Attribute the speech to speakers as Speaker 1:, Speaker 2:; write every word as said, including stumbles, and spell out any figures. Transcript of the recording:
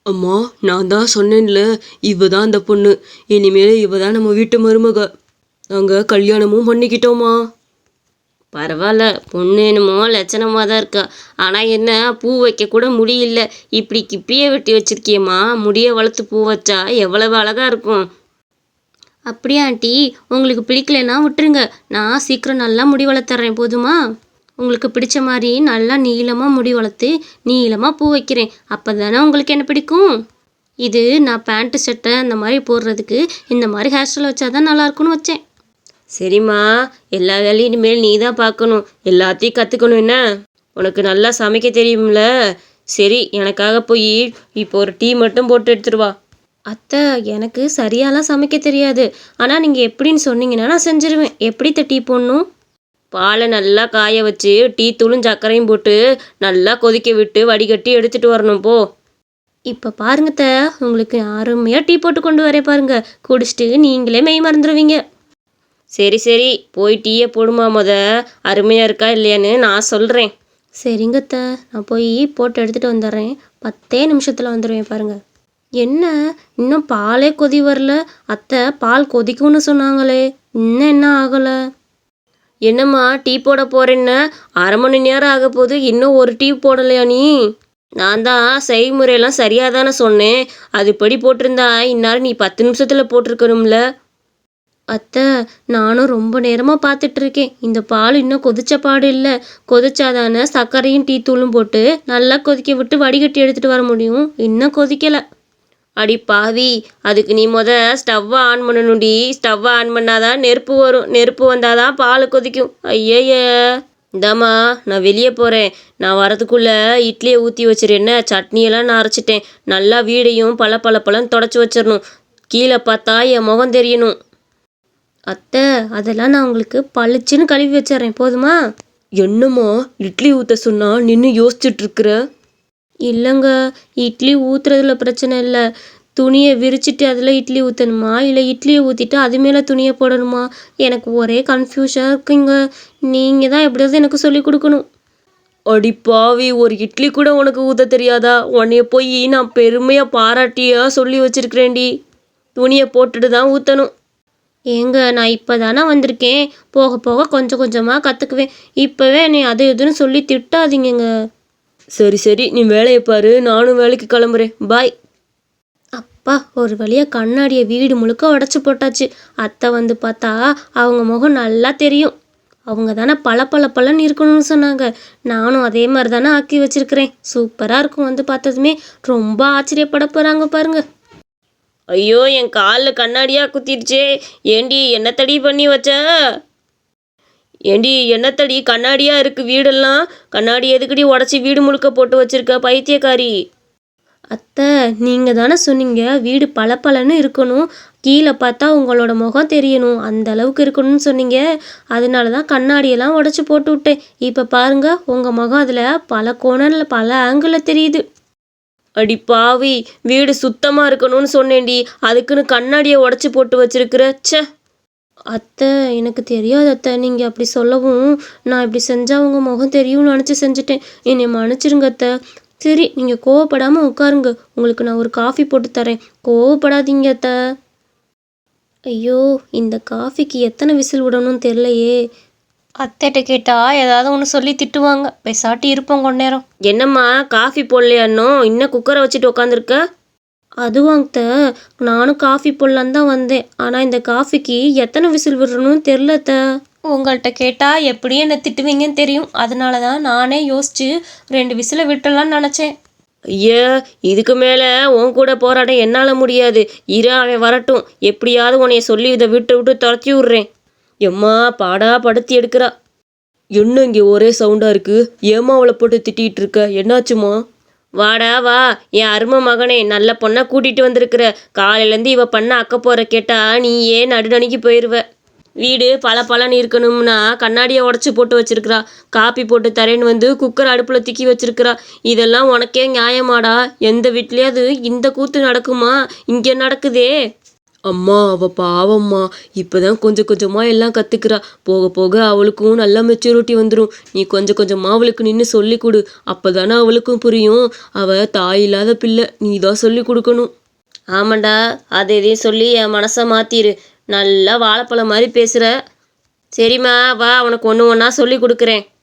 Speaker 1: அம்மா, நான் தான் சொன்னேன்ல, இவ தான் அந்த பொண்ணு. இனிமேல் இவ தான் நம்ம வீட்டு மருமக. நாங்கள் கல்யாணமும் பண்ணிக்கிட்டோமா.
Speaker 2: பரவாயில்ல, பொண்ணு என்னமோ லட்சணமாக தான் இருக்கா. ஆனால் என்ன, பூ வைக்க கூட முடியல. இப்படி கிப்பியை வெட்டி வச்சிருக்கியம்மா. முடியை வளர்த்து பூ வச்சா எவ்வளவு அழகாக இருக்கும். அப்படியா ஆண்டி? உங்களுக்கு பிடிக்கலன்னா விட்டுருங்க. நான் சீக்கிரம் நல்லா முடி வளர்த்துறேன், போதுமா? உங்களுக்கு பிடிச்ச மாதிரி நல்லா நீளமாக முடி வளர்த்து நீளமாக பூ வைக்கிறேன். அப்போ தானே உங்களுக்கு என்ன பிடிக்கும். இது நான் பேண்ட்டு சட்டை அந்த மாதிரி போடுறதுக்கு இந்த மாதிரி ஹேர் ஸ்டைல் வச்சா தான் நல்லாயிருக்கும்னு வச்சேன். சரிம்மா, எல்லா வேலையும் இனிமேல் நீ தான் பார்க்கணும். எல்லாத்தையும் கற்றுக்கணும். என்ன, உனக்கு நல்லா சமைக்க தெரியும்ல? சரி, எனக்காக போய் இப்போ ஒரு டீ மட்டும் போட்டு எடுத்துருவா. அத்தை, எனக்கு சரியாலாம் சமைக்க தெரியாது. ஆனால் நீங்கள் எப்படின்னு சொன்னீங்கன்னா நான் செஞ்சுருவேன். எப்படி டீ போடணும்? பாலை நல்லா காய வச்சு டீ தூளும் சர்க்கரையும் போட்டு நல்லா கொதிக்க விட்டு வடிகட்டி எடுத்துகிட்டு வரணும். போ. இப்போ பாருங்கத்த, உங்களுக்கு அருமையாக டீ போட்டு கொண்டு வரேன் பாருங்க. குடிச்சிட்டு நீங்களே மெய் மறந்துடுவீங்க. சரி சரி, போய் டீயை போடுமா. முத அருமையாக இருக்கா இல்லையான்னு நான் சொல்கிறேன். சரிங்கத்த, நான் போய் போட்டு எடுத்துகிட்டு வந்துடுறேன். பத்தே நிமிஷத்தில் வந்துடுவேன் பாருங்கள். என்ன, இன்னும் பாலே கொதி வரல? அத்தை, பால் கொதிக்கும்னு சொன்னாங்களே, இன்னும் என்ன ஆகலை? என்னம்மா, டீ போட போகிறேன்னு அரை மணி நேரம் ஆக போது, இன்னும் ஒரு டீ போடலையா நீ? நான் தான் செய்முறையெல்லாம் சரியாக தானே சொன்னேன். அதுபடி போட்டிருந்தா இந்நேரம் நீ பத்து நிமிஷத்தில் போட்டிருக்கணும்ல. அத்தை, நானும் ரொம்ப நேரமாக பார்த்துட்ருக்கேன். இந்த பால் இன்னும் கொதிச்ச பாடு இல்லை. கொதிச்சாதானே சர்க்கரையும் டீ தூளும் போட்டு நல்லா கொதிக்க விட்டு வடிகட்டி எடுத்துகிட்டு வர முடியும். இன்னும் கொதிக்கலை. அடி பாவி, அதுக்கு நீ முத ஸ்டவ்வை ஆன் பண்ணணும்டி. ஸ்டவ்வை ஆன் பண்ணாதான் நெருப்பு வரும். நெருப்பு வந்தால் தான் பால் கொதிக்கும். ஐயைய, இந்தாம்மா, நான் வெளியே போகிறேன். நான் வரதுக்குள்ளே இட்லியை ஊற்றி வச்சிருஎன்ன. சட்னியெல்லாம் நான் அரைச்சிட்டேன். நல்லா வீடையும் பல பல பழம் தொடச்சி வச்சிடணும். கீழே பார்த்தா என் முகம் தெரியணும். அத்தை, அதெல்லாம் நான் உங்களுக்கு பளிச்சுன்னு கழுவி வச்சிட்றேன், போதுமா?
Speaker 1: என்னம்மா, இட்லி ஊற்ற சொன்னா நின்று யோசிச்சுட்ருக்குற?
Speaker 2: இல்லைங்க, இட்லி ஊற்றுறதுல பிரச்சனை இல்லை. துணியை விரிச்சிட்டு அதில் இட்லி ஊற்றணுமா, இல்லை இட்லியை ஊற்றிட்டு அது மேலே துணியை போடணுமா? எனக்கு ஒரே கன்ஃபியூஷனாக இருக்குங்க. நீங்கள் தான் எப்படியாவது எனக்கு சொல்லி கொடுக்கணும்.
Speaker 1: அடி பாவி, ஒரு இட்லி கூட உனக்கு ஊற்ற தெரியாதா? உன்னைய போய் நான் பெருமையாக பாராட்டியாக சொல்லி வச்சிருக்கிறேன்டி. துணியை போட்டுட்டு தான் ஊற்றணும்.
Speaker 2: ஏங்க, நான் இப்போ தானே வந்திருக்கேன். போக போக கொஞ்சம் கொஞ்சமாக கற்றுக்குவேன். இப்போவே என்னை அது எதுன்னு சொல்லி திட்டாதீங்கங்க.
Speaker 1: சரி சரி, நீ வேலையை பாரு, நானும் வேலைக்கு கிளம்புறேன். பாய்.
Speaker 2: அப்பா, ஒரு வழியாக கண்ணாடியை வீடு முழுக்க உடச்சி போட்டாச்சு. அத்தை வந்து பார்த்தா அவங்க முகம் நல்லா தெரியும். அவங்க தானே பல பல பலன்னு இருக்கணும்னு சொன்னாங்க. நானும் அதே மாதிரி தானே ஆக்கி வச்சிருக்கிறேன். சூப்பராக இருக்கும். வந்து பார்த்ததுமே ரொம்ப ஆச்சரியப்பட போகிறாங்க பாருங்க. ஐயோ, என் காலில் கண்ணாடியாக குத்திடுச்சே. ஏண்டி, என்னத்தடி பண்ணி வச்ச? ஏண்டி, என்னத்தடி கண்ணாடியாக இருக்குது வீடெல்லாம்? கண்ணாடி எதுக்கடி உடச்சி வீடு முழுக்க போட்டு வச்சிருக்க, பைத்தியக்காரி? அத்தை, நீங்கள் தானே சொன்னீங்க வீடு பல பலன்னு இருக்கணும், கீழே பார்த்தா உங்களோட முகம் தெரியணும், அந்த அளவுக்கு இருக்கணும்னு சொன்னீங்க. அதனால தான் கண்ணாடியெல்லாம் உடச்சி போட்டு விட்டேன். இப்போ பாருங்க, உங்கள் முகம் அதில் பல கோணலில் பல ஆங்கிளில் தெரியுது. அடி பாவி, வீடு சுத்தமாக இருக்கணும்னு சொன்னேன்டி, அதுக்குன்னு கண்ணாடியை உடச்சி போட்டு வச்சிருக்கிற. ச்சே. அத்தை, எனக்கு தெரியாது அத்தை. நீங்கள் அப்படி சொல்லவும் நான் இப்படி செஞ்சால் உங்கள் முகம் தெரியும்னு நினச்சி செஞ்சுட்டேன். என்னை மன்னிச்சிருங்க அத்தை. சரி, நீங்கள் கோவப்படாமல் உட்காருங்க. உங்களுக்கு நான் ஒரு காஃபி போட்டு தரேன். கோவப்படாதீங்க அத்தை. ஐயோ, இந்த காஃபிக்கு எத்தனை விசில் விடணும்னு தெரிலையே. அத்தைகிட்ட கேட்டால் ஏதாவது ஒன்று சொல்லி திட்டுவாங்க. பேசாட்டி இருப்போம் கொஞ்ச நேரம். என்னம்மா, காஃபி போடலையானோ? இன்னும் குக்கரை வச்சுட்டு உட்காந்துருக்க? அதுவாங்கத்த, நானும் காஃபி போடலான்னு தான் வந்தேன். ஆனால் இந்த காஃபிக்கு எத்தனை விசில் விடணும்னு தெரிலத்த. உங்கள்கிட்ட கேட்டால் எப்படி என்ன திட்டுவீங்கன்னு தெரியும். அதனால தான் நானே யோசித்து ரெண்டு விசிலை விட்டுடலான்னு நினச்சேன். ஐயா, இதுக்கு மேலே உன் கூட போராட என்னால் முடியாது. இரு, அவன் வரட்டும். எப்படியாவது உன்னைய சொல்லி இதை விட்டு விட்டு துரத்தி விட்றேன்.
Speaker 1: எம்மா, பாடா படுத்தி எடுக்கிறா. என்ன இங்கே ஒரே சவுண்டாக இருக்குது? ஏம்மா அவளை போட்டு திட்டிகிட்டு இருக்க? என்னாச்சுமா?
Speaker 2: வாடா வா, என் அருமை மகனே, நல்ல பொண்ணை கூட்டிகிட்டு வந்திருக்கிற. காலையிலேருந்து இவ பண்ண அக்க போகிற கேட்டா நீ ஏன் நடுநடுங்கி போயிடுவ. வீடு பல பலன்னு இருக்கணும்னா கண்ணாடியை உடச்சி போட்டு வச்சிருக்கிறா. காப்பி போட்டு தரேன்னு வந்து குக்கர் அடுப்பில் திக்கி வச்சிருக்கிறா. இதெல்லாம் உனக்கே நியாயமாடா? எந்த வீட்லேயாவது இந்த கூத்து நடக்குமா? இங்கே நடக்குதே.
Speaker 1: அம்மா அவ பாவம்மா, இப்பதான் கொஞ்சம் கொஞ்சமா எல்லாம் கத்துக்கிறா. போக போக அவளுக்கும் நல்ல மெச்சூரிட்டி வந்துடும். நீ கொஞ்சம் கொஞ்சமா அவளுக்கு நின்று சொல்லி கொடு. அப்பதானே அவளுக்கும் புரியும். அவ தாய் இல்லாத பிள்ளை, நீ தான் சொல்லி கொடுக்கணும்.
Speaker 2: ஆமாண்டா, அதை இதையும் சொல்லி என் மனசை மாத்திரு. நல்லா வாழைப்பழம் மாதிரி பேசுற. சரிம்மா, வா உனக்கு ஒன்று ஒன்றா சொல்லி கொடுக்குறேன்.